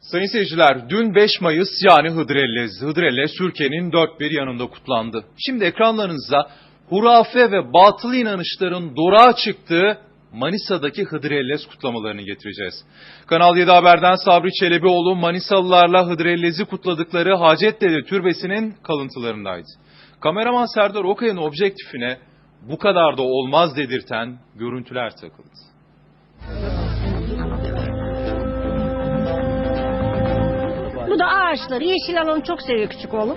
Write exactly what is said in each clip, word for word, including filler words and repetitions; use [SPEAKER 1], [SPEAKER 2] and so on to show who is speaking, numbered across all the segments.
[SPEAKER 1] Sayın seyirciler, dün beş Mayıs yani Hıdrellez, Hıdrellez Türkiye'nin dört bir yanında kutlandı. Şimdi ekranlarınıza hurafe ve batıl inanışların doruğa çıktığı Manisa'daki Hıdrellez kutlamalarını getireceğiz. Kanal yedi Haber'den Sabri Çelebioğlu Manisalılarla Hıdrellez'i kutladıkları Hacettepe Türbesi'nin kalıntılarındaydı. Kameraman Serdar Okay'ın objektifine bu kadar da olmaz dedirten görüntüler takıldı.
[SPEAKER 2] Bu da ağaçları, yeşil alanı çok seviyor küçük oğlum.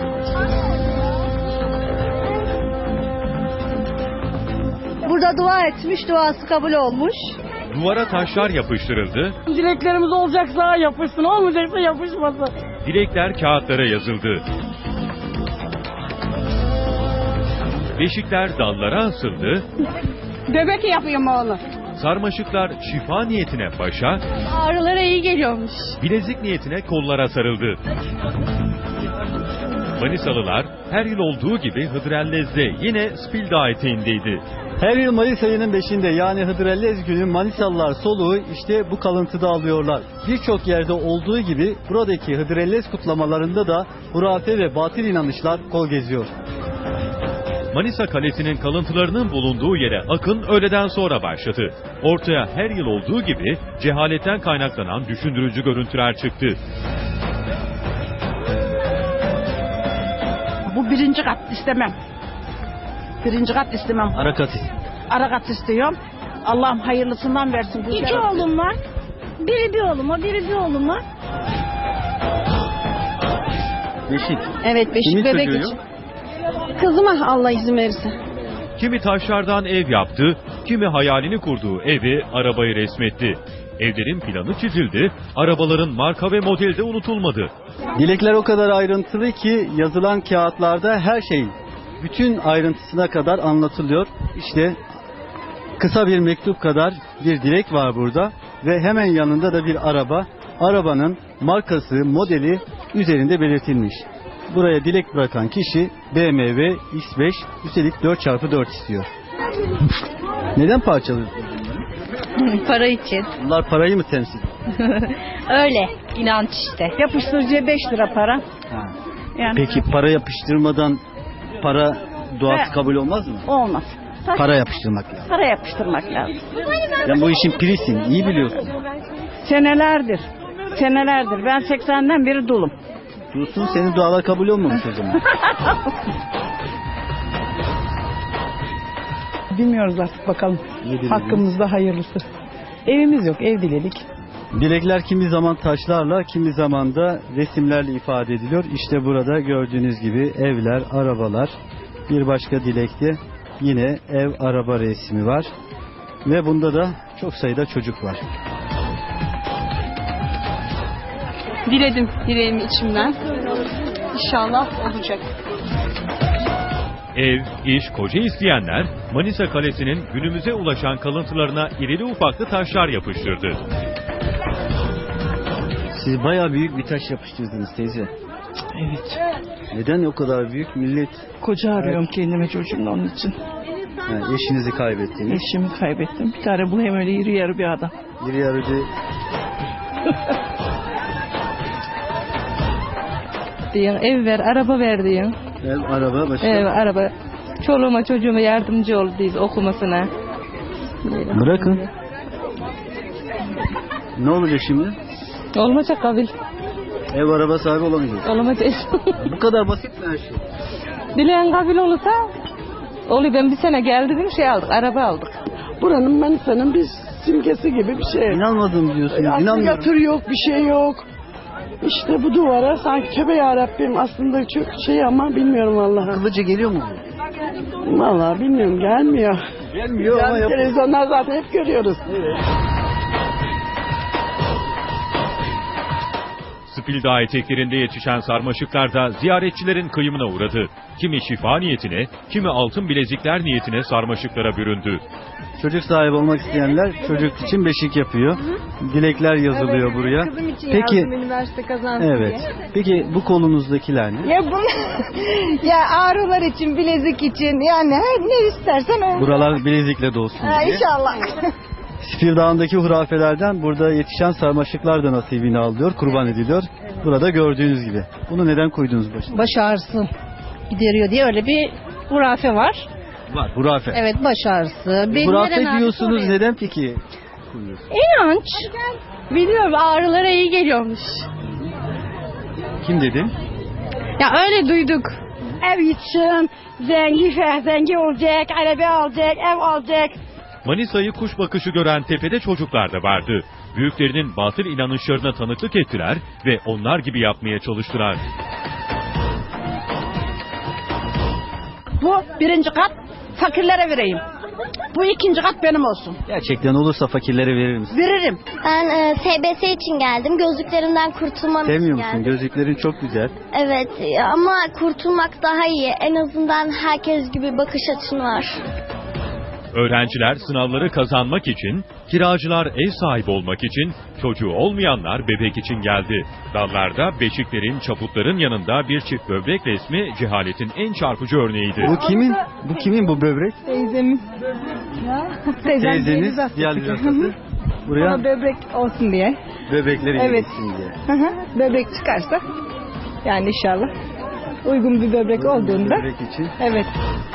[SPEAKER 3] Burada dua etmiş, duası kabul olmuş.
[SPEAKER 4] Duvara taşlar yapıştırıldı.
[SPEAKER 5] Dileklerimiz olacaksa yapışsın, olmayacaksa yapışmasın.
[SPEAKER 4] Dilekler kağıtlara yazıldı. Beşikler dallara asıldı.
[SPEAKER 5] Bebek yapıyorum oğlum.
[SPEAKER 4] Sarmaşıklar şifa niyetine başa,
[SPEAKER 3] Ağrılara iyi geliyormuş.
[SPEAKER 4] bilezik niyetine kollara sarıldı. Manisalılar her yıl olduğu gibi Hıdrellez'de yine Spildağ eteğindeydi.
[SPEAKER 6] Her yıl Mayıs ayının beşinde yani Hıdrellez günü Manisalılar soluğu işte bu kalıntıda alıyorlar. Birçok yerde olduğu gibi buradaki Hıdrellez kutlamalarında da hurafe ve batıl inanışlar kol geziyor.
[SPEAKER 4] Manisa Kalesi'nin kalıntılarının bulunduğu yere akın öğleden sonra başladı. Ortaya her yıl olduğu gibi cehaletten kaynaklanan düşündürücü görüntüler çıktı.
[SPEAKER 5] Bu birinci kat istemem. Birinci kat istemem.
[SPEAKER 6] Arakat.
[SPEAKER 5] Ara kat istiyorum. Allah'ım hayırlısından versin. Bu
[SPEAKER 2] İki
[SPEAKER 5] şerefli.
[SPEAKER 2] oğlum var. Biri bir oğluma, biri bir oğluma.
[SPEAKER 6] Beşik.
[SPEAKER 3] Evet, beşik
[SPEAKER 6] Kimin
[SPEAKER 3] bebek
[SPEAKER 6] çocuğu?
[SPEAKER 3] için. Kızıma Allah izin verirse.
[SPEAKER 4] Kimi taşlardan ev yaptı, kimi hayalini kurduğu evi, arabayı resmetti. Evlerin planı çizildi, arabaların marka ve modeli de unutulmadı.
[SPEAKER 6] Dilekler o kadar ayrıntılı ki yazılan kağıtlarda her şey bütün ayrıntısına kadar anlatılıyor. İşte kısa bir mektup kadar bir dilek var burada ve hemen yanında da bir araba. Arabanın markası, modeli üzerinde belirtilmiş. Buraya dilek bırakan kişi B M W X beş, üstelik dört çarpı dört istiyor. Neden parçalıyorsun?
[SPEAKER 3] Para için.
[SPEAKER 6] Bunlar parayı mı temsil ediyor?
[SPEAKER 3] Öyle. İnanç işte.
[SPEAKER 5] Yapıştırıcıya beş lira para.
[SPEAKER 6] Ha.
[SPEAKER 5] Yani
[SPEAKER 6] Peki para yapıştırmadan para duası
[SPEAKER 5] Evet.
[SPEAKER 6] kabul olmaz mı?
[SPEAKER 5] olmaz. Taş-
[SPEAKER 6] Para yapıştırmak lazım.
[SPEAKER 5] Para yapıştırmak lazım.
[SPEAKER 6] Sen bu işin pirisin, iyi biliyorsun.
[SPEAKER 5] Senelerdir. Senelerdir. Ben seksenden beri dulum.
[SPEAKER 6] Diyorsun senin dualar kabul olmamış o zaman.
[SPEAKER 7] Bilmiyoruz artık bakalım.
[SPEAKER 6] Ne dilediniz?
[SPEAKER 7] Hakkımızda hayırlısı. Evimiz yok, ev diledik.
[SPEAKER 6] Dilekler kimi zaman taşlarla, kimi zaman da resimlerle ifade ediliyor. İşte burada gördüğünüz gibi evler, arabalar. Bir başka dilekte yine ev, araba resmi var. Ve bunda da çok sayıda çocuk var.
[SPEAKER 3] Diledim dileğimi içimden. İnşallah olacak.
[SPEAKER 4] Ev, iş, koca isteyenler Manisa Kalesi'nin günümüze ulaşan kalıntılarına irili ufaklı taşlar yapıştırdı.
[SPEAKER 6] Siz bayağı büyük bir taş yapıştırdınız teyze.
[SPEAKER 7] Evet.
[SPEAKER 6] Neden o kadar büyük? Millet
[SPEAKER 7] Koca arıyorum kendime çocuğumla onun için.
[SPEAKER 6] yani eşinizi kaybettiniz.
[SPEAKER 7] Eşimi kaybettim. Bir tane bulayım öyle iri yarı bir adam.
[SPEAKER 6] Bir yarıcı
[SPEAKER 8] diyor. Ev ver, araba ver diyor.
[SPEAKER 6] ev, araba, başka.
[SPEAKER 8] Ev, araba. Çoluğuma çocuğuma yardımcı ol diyor okumasına.
[SPEAKER 6] Bırakın. Ne olacak şimdi?
[SPEAKER 8] Olmayacak kabil.
[SPEAKER 6] Ev, araba sahibi olamayacak.
[SPEAKER 8] Olamayacak.
[SPEAKER 6] Bu kadar basit mi her şey?
[SPEAKER 8] Dileyen kabil olursa oluyor. Ben bir sene geldim şey aldık, araba aldık.
[SPEAKER 7] Buranın Manisa'nın bir simgesi gibi bir şey.
[SPEAKER 6] İnanmadım diyorsun.
[SPEAKER 7] Aslında
[SPEAKER 6] İnanmıyorum.
[SPEAKER 7] yatır yok, bir şey yok. İşte bu duvara sanki tövbe yarabbim aslında çok şey ama bilmiyorum vallahi.
[SPEAKER 6] Kılıcı geliyor mu?
[SPEAKER 7] Vallahi bilmiyorum gelmiyor.
[SPEAKER 6] Gelmiyor ama
[SPEAKER 7] Yani
[SPEAKER 6] yap.
[SPEAKER 7] televizyonlar zaten hep görüyoruz.
[SPEAKER 4] Spildağ eteklerinde yetişen sarmaşıklar da ziyaretçilerin kıyımına uğradı. Kimi şifa niyetine, kimi altın bilezikler niyetine sarmaşıklara büründü.
[SPEAKER 6] Çocuk sahibi olmak isteyenler çocuk için beşik yapıyor. Dilekler yazılıyor buraya.
[SPEAKER 3] Kızım için
[SPEAKER 6] Peki,
[SPEAKER 3] yazdım üniversite kazansın
[SPEAKER 6] evet.
[SPEAKER 3] diye.
[SPEAKER 6] Peki bu kolunuzdakiler ne?
[SPEAKER 3] Ya bunu ya ağrılar için, bilezik için yani her ne istersen o.
[SPEAKER 6] Buralar bilezikle dolsun
[SPEAKER 3] Ha,
[SPEAKER 6] diye.
[SPEAKER 3] inşallah.
[SPEAKER 6] Spil Dağı'ndaki hurafelerden burada yetişen sarmaşıklar da nasibini alıyor, kurban ediliyor. Burada gördüğünüz gibi. Bunu neden koydunuz başına?
[SPEAKER 2] Baş ağrısı gideriyor diye öyle bir hurafe var.
[SPEAKER 6] Var, hurafe.
[SPEAKER 2] Evet, baş ağrısı. Benim
[SPEAKER 6] Hurafe
[SPEAKER 2] neren ağrısı
[SPEAKER 6] diyorsunuz,
[SPEAKER 2] oraya?
[SPEAKER 6] neden peki koyuyorsunuz?
[SPEAKER 2] İnanç. Biliyorum, ağrılara iyi geliyormuş.
[SPEAKER 6] Kim dedi?
[SPEAKER 2] Ya öyle duyduk.
[SPEAKER 3] Ev için zengin, zengin olacak, araba alacak, ev alacak.
[SPEAKER 4] Manisa'yı kuş bakışı gören tepede çocuklar da vardı. Büyüklerinin batıl inanışlarına tanıklık ettiler ve onlar gibi yapmaya çalıştılar.
[SPEAKER 3] Bu birinci kat fakirlere vereyim. Bu ikinci kat benim olsun.
[SPEAKER 6] Gerçekten olursa fakirlere verir misin?
[SPEAKER 3] Veririm.
[SPEAKER 9] Ben e, S B S için geldim. Gözlüklerimden kurtulmam için
[SPEAKER 6] Sevmiyor musun?
[SPEAKER 9] geldim.
[SPEAKER 6] Gözlüklerin çok güzel.
[SPEAKER 9] Evet ama kurtulmak daha iyi. En azından herkes gibi bakış açın var.
[SPEAKER 4] Öğrenciler sınavları kazanmak için, kiracılar ev sahibi olmak için, çocuğu olmayanlar bebek için geldi. Dallarda beşiklerin, çaputların yanında bir çift böbrek resmi cehaletin en çarpıcı örneğiydi.
[SPEAKER 6] Bu kimin? Bu kimin bu böbrek?
[SPEAKER 8] Teyzemin.
[SPEAKER 6] Teyzeniz diyaliz hastası. Buraya
[SPEAKER 8] Ona böbrek olsun diye.
[SPEAKER 6] böbrekleri
[SPEAKER 8] Evet.
[SPEAKER 6] gitsin diye.
[SPEAKER 8] Hı hı. Böbrek çıkarsa yani inşallah uygun bir böbrek olduğunda.
[SPEAKER 6] Böbrek için.
[SPEAKER 8] Evet.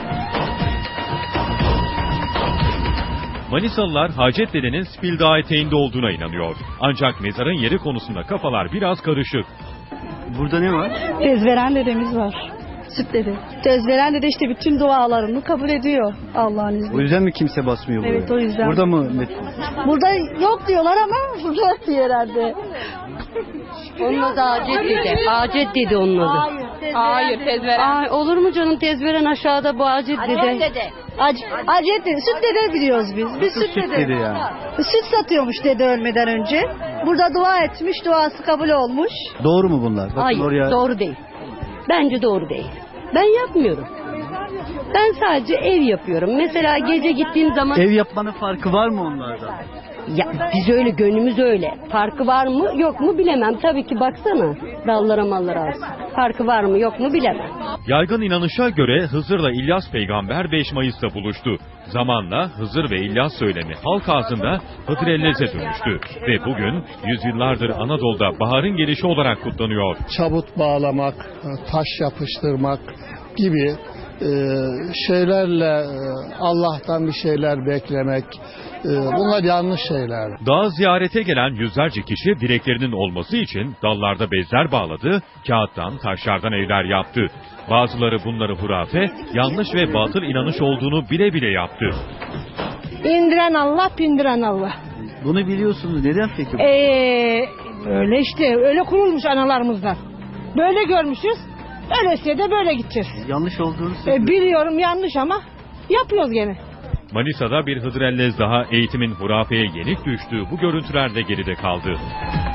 [SPEAKER 4] Manisalılar Hacettepe'nin Spil Dağı eteğinde olduğuna inanıyor. Ancak mezarın yeri konusunda kafalar biraz karışık.
[SPEAKER 6] Burada ne var?
[SPEAKER 3] Tezveren dedemiz var. Süt dede. Tezveren dede işte bütün dualarını kabul ediyor Allah'ın
[SPEAKER 6] O
[SPEAKER 3] izniyle.
[SPEAKER 6] yüzden mi kimse basmıyor buraya?
[SPEAKER 3] Evet, o yüzden.
[SPEAKER 6] Burada mı?
[SPEAKER 3] Burada yok diyorlar ama burada diyor herhalde.
[SPEAKER 2] Onun adı Acet dedi. Acet dedi onun adı.
[SPEAKER 8] Hayır, tezveren.
[SPEAKER 2] Ay, olur mu canım, tezveren aşağıda, bu Acet dedi.
[SPEAKER 3] Ac Acet dede, süt dede biliyoruz biz. Biz süt
[SPEAKER 6] Süt
[SPEAKER 3] dede.
[SPEAKER 6] dedi yani.
[SPEAKER 3] Süt satıyormuş dede ölmeden önce. Burada dua etmiş, duası kabul olmuş.
[SPEAKER 6] Doğru mu bunlar? Bakın
[SPEAKER 2] Hayır,
[SPEAKER 6] oraya.
[SPEAKER 2] doğru değil. Bence doğru değil. Ben yapmıyorum. Ben sadece ev yapıyorum. Mesela gece gittiğim zaman...
[SPEAKER 6] Ev yapmanın farkı var mı onlardan?
[SPEAKER 2] Ya biz öyle, gönlümüz öyle. Farkı var mı yok mu bilemem. Tabii ki baksana dallara mallara az. Farkı var mı yok mu bilemem.
[SPEAKER 4] Yaygın inanışa göre Hızır'la İlyas peygamber beş Mayıs'ta buluştu. Zamanla Hızır ve İlyas söylemi halk ağzında Hıdrellez'e dönüştü. Ve bugün yüzyıllardır Anadolu'da baharın gelişi olarak kutlanıyor.
[SPEAKER 10] Çabut bağlamak, taş yapıştırmak gibi e, şeylerle e, Allah'tan bir şeyler beklemek, e, bunlar yanlış şeyler.
[SPEAKER 4] Dağı ziyarete gelen yüzlerce kişi dileklerinin olması için dallarda bezler bağladı, kağıttan, taşlardan evler yaptı. Bazıları bunları hurafe, yanlış ve batıl inanış olduğunu bile bile yaptı.
[SPEAKER 2] İndiren Allah, pindiren Allah.
[SPEAKER 6] Bunu biliyorsunuz. Neden peki?
[SPEAKER 2] Ee, öyle işte, öyle kurulmuş analarımızdan. Böyle görmüşüz, öyleyse de böyle gideceğiz.
[SPEAKER 6] Yanlış olduğunu
[SPEAKER 2] Ee,
[SPEAKER 6] söylüyor.
[SPEAKER 2] biliyorum yanlış ama yapıyoruz gene.
[SPEAKER 4] Manisa'da bir Hıdrellez daha eğitimin hurafeye yenik düştüğü bu görüntülerde geride kaldı.